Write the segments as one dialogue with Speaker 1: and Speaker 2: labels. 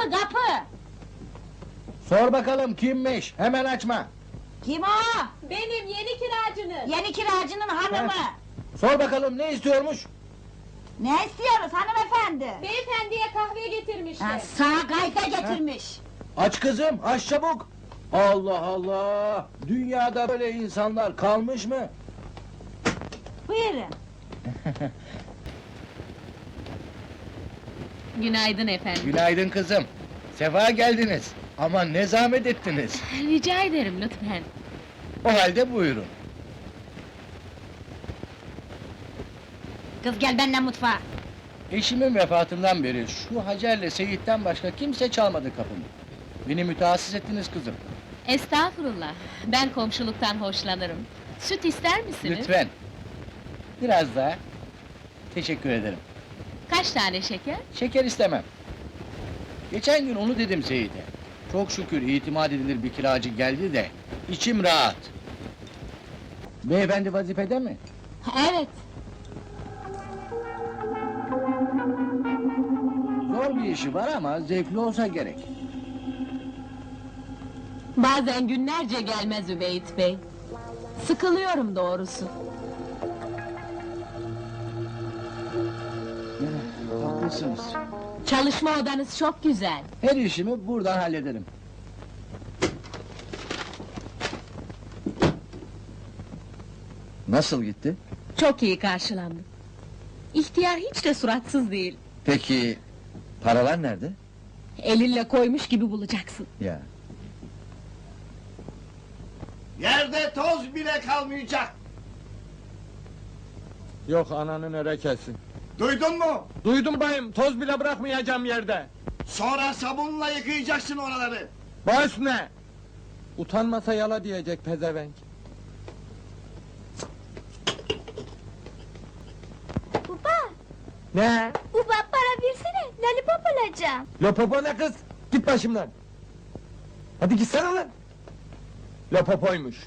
Speaker 1: kapı!
Speaker 2: Sor bakalım kimmiş, hemen açma!
Speaker 1: Kim o?
Speaker 3: Benim yeni kiracınız.
Speaker 1: Yeni kiracının hanımı!
Speaker 2: Sor bakalım ne istiyormuş?
Speaker 1: Ne istiyoruz hanımefendi?
Speaker 3: Beyefendiye kahve getirmişler.
Speaker 1: Ha, sağ kayda getirmiş!
Speaker 2: Aç kızım, aç çabuk! Allah Allah! Dünyada böyle insanlar kalmış mı?
Speaker 1: Buyurun!
Speaker 3: Günaydın efendim.
Speaker 2: Günaydın kızım! Sefa geldiniz! Ama ne zahmet ettiniz!
Speaker 3: Rica ederim lütfen.
Speaker 2: O halde buyurun!
Speaker 1: Kız gel benimle mutfağa!
Speaker 2: Eşimin vefatından beri şu Hacer'le Seyit'ten başka kimse çalmadı kapımı. Beni mütehassıs ettiniz kızım.
Speaker 3: Estağfurullah. Ben komşuluktan hoşlanırım. Süt ister misiniz?
Speaker 2: Lütfen! Biraz daha. Teşekkür ederim.
Speaker 3: Kaç tane şeker?
Speaker 2: Şeker istemem. Geçen gün onu dedim Seyit'e. Çok şükür itimat edilir bir kiracı geldi de içim rahat. Beyefendi vazifede mi?
Speaker 1: Evet!
Speaker 2: Zor bir işi var ama zevkli olsa gerek.
Speaker 3: Bazen günlerce gelmez Übeyt Bey. Sıkılıyorum doğrusu.
Speaker 2: Haklısınız.
Speaker 3: Çalışma odanız çok güzel.
Speaker 2: Her işimi buradan hallederim. Nasıl gitti?
Speaker 3: Çok iyi karşılandım. İhtiyar hiç de suratsız değil.
Speaker 2: Peki paralar nerede?
Speaker 3: Elinle koymuş gibi bulacaksın.
Speaker 2: Ya.
Speaker 4: Yerde toz bile kalmayacak.
Speaker 5: Yok ananın örekesi.
Speaker 4: Duydun mu?
Speaker 5: Duydum bayım, toz bile bırakmayacağım yerde.
Speaker 4: Sonra sabunla yıkayacaksın oraları.
Speaker 5: Baş ne? Utanmasa yala diyecek pezevenk.
Speaker 6: Baba,
Speaker 5: Ne?
Speaker 6: baba para versene, lollipop alacağım.
Speaker 5: Lopopo ne kız? Git başımdan. Hadi gitsene lan. Lopopoymuş.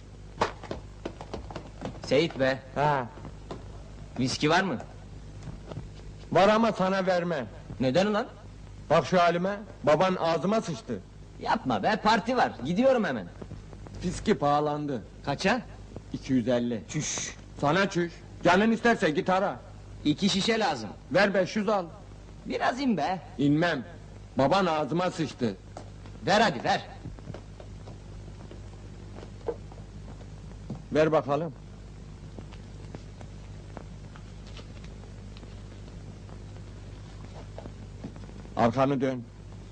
Speaker 7: Seyit be,
Speaker 5: Ha,
Speaker 7: viski var mı?
Speaker 5: var ama sana verme.
Speaker 7: Neden ulan?
Speaker 5: Bak şu halime, baban ağzıma sıçtı.
Speaker 7: Yapma be, parti var, gidiyorum hemen.
Speaker 5: Fiski pahalandı.
Speaker 7: Kaça?
Speaker 5: 250.
Speaker 7: Çüş!
Speaker 5: Sana çüş. Canın isterse git ara.
Speaker 7: 2 şişe lazım.
Speaker 5: Ver 500 al.
Speaker 7: Biraz in be.
Speaker 5: İnmem. Baban ağzıma sıçtı.
Speaker 7: Ver hadi ver.
Speaker 5: Ver bakalım. Arkanı dön.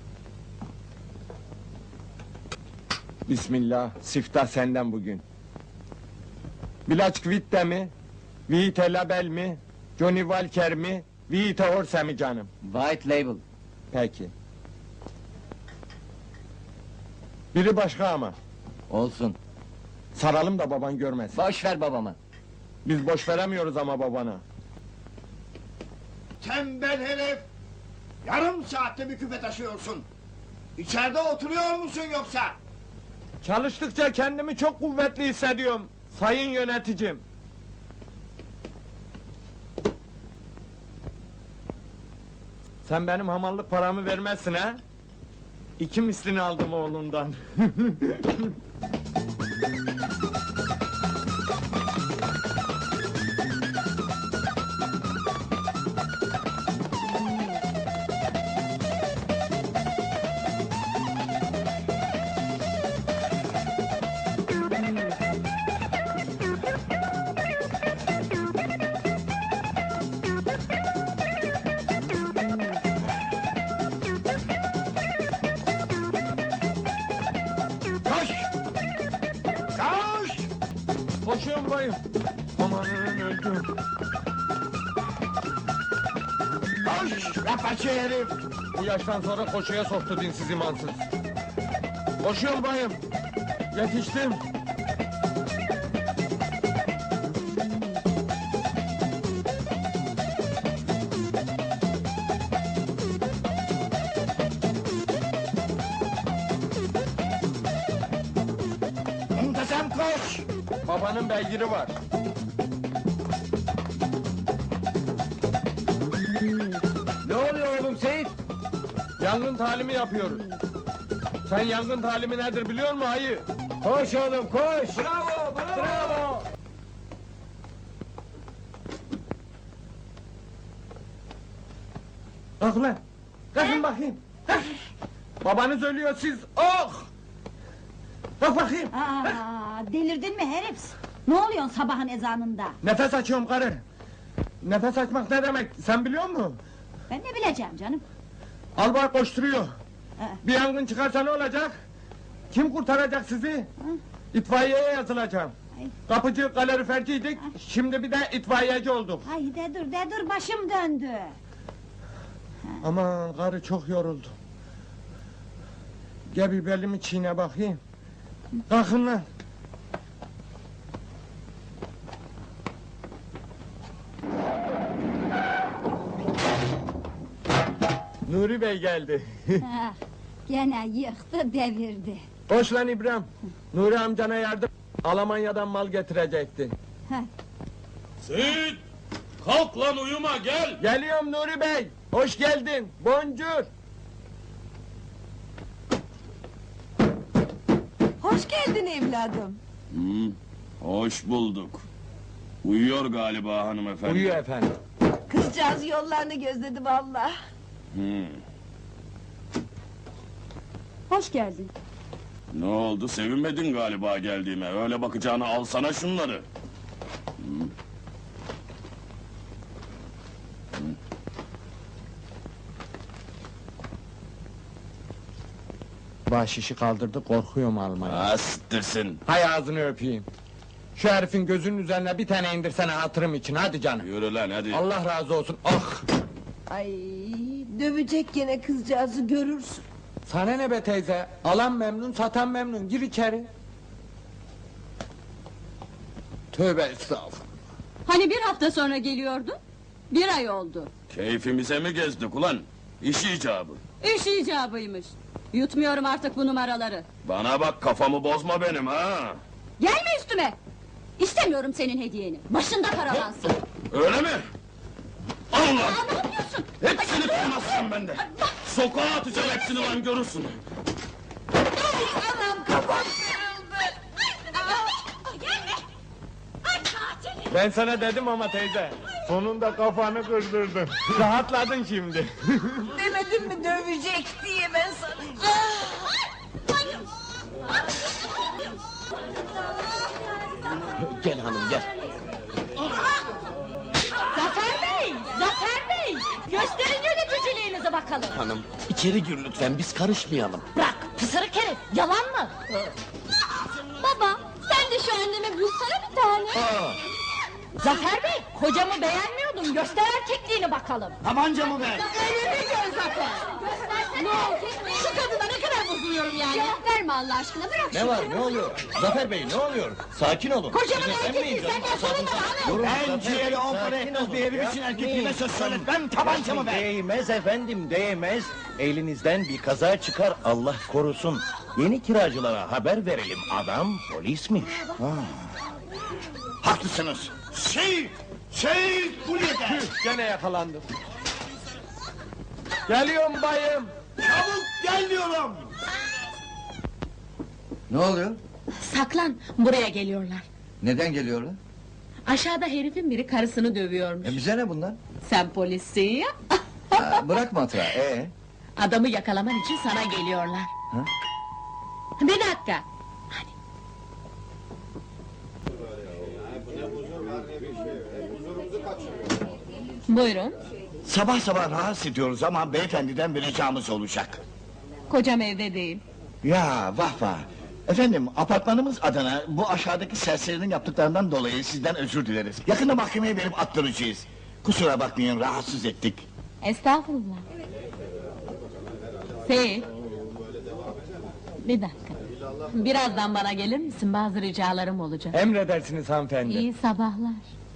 Speaker 5: Bismillah, siftah senden bugün. Bilaç Kvitte mi? Vite Label mi? Johnny Walker mi? Vite Orse mi canım?
Speaker 7: White label.
Speaker 5: Peki. Biri başka ama.
Speaker 7: Olsun.
Speaker 5: Saralım da baban görmesin.
Speaker 7: Boş ver babama.
Speaker 5: Biz boş veremiyoruz ama babana.
Speaker 4: Tembel herif. Yarım saatte bir küpe taşıyorsun. İçeride oturuyor musun yoksa?
Speaker 5: Çalıştıkça kendimi çok kuvvetli hissediyorum. Sayın yöneticim. Sen benim hamallık paramı vermezsin ha? 2 mislini aldım oğlundan.
Speaker 4: Koş! Koş!
Speaker 5: Koşuyorum bayım. Amanın öldüm.
Speaker 4: Koş! Rapaçı herif!
Speaker 5: Bu yaştan sonra koşuya soktu dinsiz imansız. Koşuyorum bayım. Yetiştim.
Speaker 4: Muntazam koş!
Speaker 5: Babanın beygiri var.
Speaker 2: Ne oluyor oğlum Seyit?
Speaker 5: Yangın talimi yapıyoruz. Sen yangın talimi nedir biliyor musun ayı? Koş oğlum koş. Bravo bravo. Kalk lan. Kalkın bakayım. Kalk. Babanız ölüyor siz. Oh! Kalk bakayım.
Speaker 1: Aa, delirdin mi herif? Ne oluyorsun sabahın ezanında?
Speaker 5: Nefes açıyorum karı. Nefes açmak ne demek sen biliyor musun?
Speaker 1: Ben ne bileceğim canım?
Speaker 5: Albay koşturuyor. Bir yangın çıkarsa ne olacak? Kim kurtaracak sizi? İtfaiyeye yazılacağım.
Speaker 1: Ay.
Speaker 5: Kapıcı kaloriferciydik, şimdi bir de itfaiyeci olduk.
Speaker 1: Ay de dur başım döndü.
Speaker 5: Aman karı çok yoruldu. Gel bir belimi çiğne bakayım. Kalkın lan. Nuri Bey geldi.
Speaker 1: Ah, gene yıktı devirdi.
Speaker 5: Hoş lan İbrahim. Nuri amcana yardım. Almanya'dan mal getirecekti.
Speaker 8: Seyit! Kalk lan uyuma gel!
Speaker 5: Geliyorum Nuri Bey. Hoş geldin. Boncuk.
Speaker 3: Hoş geldin evladım.
Speaker 8: Hoş bulduk. Uyuyor galiba hanımefendi.
Speaker 5: Uyuyor efendim.
Speaker 3: Kızcağız yollarını gözledi valla.
Speaker 8: Hı.
Speaker 1: Hoş geldin.
Speaker 8: Ne oldu sevinmedin galiba geldiğime. Öyle bakacağına alsana şunları.
Speaker 5: Baş işi kaldırdı, korkuyorum almaya.
Speaker 8: Astırsın.
Speaker 5: Hay ağzını öpeyim. Şu herifin gözünün üzerine bir tane indirsene hatırım için, hadi canım.
Speaker 8: Yürü lan hadi.
Speaker 5: Allah razı olsun, ah!
Speaker 3: Ay dövecek gene kızcağızı görürsün.
Speaker 5: Sana ne be teyze, alan memnun, satan memnun, gir içeri. Tövbe estağfurullah.
Speaker 3: Hani bir hafta sonra geliyordun? Bir ay oldu.
Speaker 8: Keyfimize mi gezdik ulan? İş icabı.
Speaker 3: İş icabıymış. Yutmuyorum artık bu numaraları.
Speaker 8: Bana bak kafamı bozma benim ha.
Speaker 3: Gelme üstüme! İstemiyorum senin hediyeni. Başında paralansın.
Speaker 8: Öyle mi? Al lan!
Speaker 3: Aa, ne yapıyorsun?
Speaker 8: Hepsini tutmazsın bende. Sokağa atacağım hepsini lan görürsün.
Speaker 3: Anam kafam kırıldı. Gelme! Ay katil!
Speaker 5: Ben sana dedim ama teyze, sonunda kafanı kırdırdın. Rahatladın şimdi.
Speaker 3: Demedim mi dövecek diye ben sana?
Speaker 7: Gel hanım gel.
Speaker 3: Zafer Bey! Zafer Bey! Gösterin yöneticiliğinizi bakalım.
Speaker 7: Hanım içeri gir lütfen biz karışmayalım.
Speaker 3: Bırak pısırık herif! Yalan mı?
Speaker 6: Baba, sen de şu anneme bulsana bir tane.
Speaker 3: Zafer Bey! Kocamı beğenmiyordun. Göster erkekliğini bakalım.
Speaker 4: Tabancamı ver.
Speaker 3: Elimi gör Zafer!
Speaker 6: Ne oldu?
Speaker 3: Şu kadına ne kadar bozuluyorum yani.
Speaker 6: Cevap verme Allah aşkına, bırak
Speaker 7: Ne var ne oluyor? Zafer Bey ne oluyor? Sakin olun.
Speaker 3: Kocamın
Speaker 7: Sizi
Speaker 3: erkekliği
Speaker 7: emmeyin canım,
Speaker 3: senden sorun
Speaker 7: asabınıza.
Speaker 3: bana.
Speaker 4: Ben ciğeri on para etmez bir herif için erkekliğime söz söyletmem. Tabancamı ver.
Speaker 9: Değmez efendim, değmez. Elinizden bir kaza çıkar, Allah korusun. Yeni kiracılara haber verelim, adam polismiş.
Speaker 4: Haklısınız. Seyit Kule'de.
Speaker 5: Gene yakalandım. Geliyorum bayım.
Speaker 4: Çabuk gel diyorum.
Speaker 7: Ne oluyor?
Speaker 3: Saklan, buraya geliyorlar.
Speaker 7: Neden geliyorlar?
Speaker 3: Aşağıda herifin biri karısını dövüyormuş.
Speaker 7: Bize ne bunlar?
Speaker 3: Sen polissin ya.
Speaker 7: Bırak matrağı.
Speaker 3: Adamı yakalaman için sana geliyorlar.
Speaker 7: Ha?
Speaker 3: Bir dakika. Hadi. Buyurun.
Speaker 4: Sabah sabah rahatsız ediyoruz ama beyefendiden bir ricamız olacak.
Speaker 3: Kocam evde değil.
Speaker 4: Ya vah vah. Efendim apartmanımız adına bu aşağıdaki serserinin yaptıklarından dolayı sizden özür dileriz. Yakında mahkemeye verip attıracağız. Kusura bakmayın rahatsız ettik.
Speaker 3: Estağfurullah. Seyit. Bir dakika. Birazdan bana gelir misin? Bazı ricalarım olacak.
Speaker 5: Emredersiniz hanımefendi.
Speaker 3: İyi sabahlar.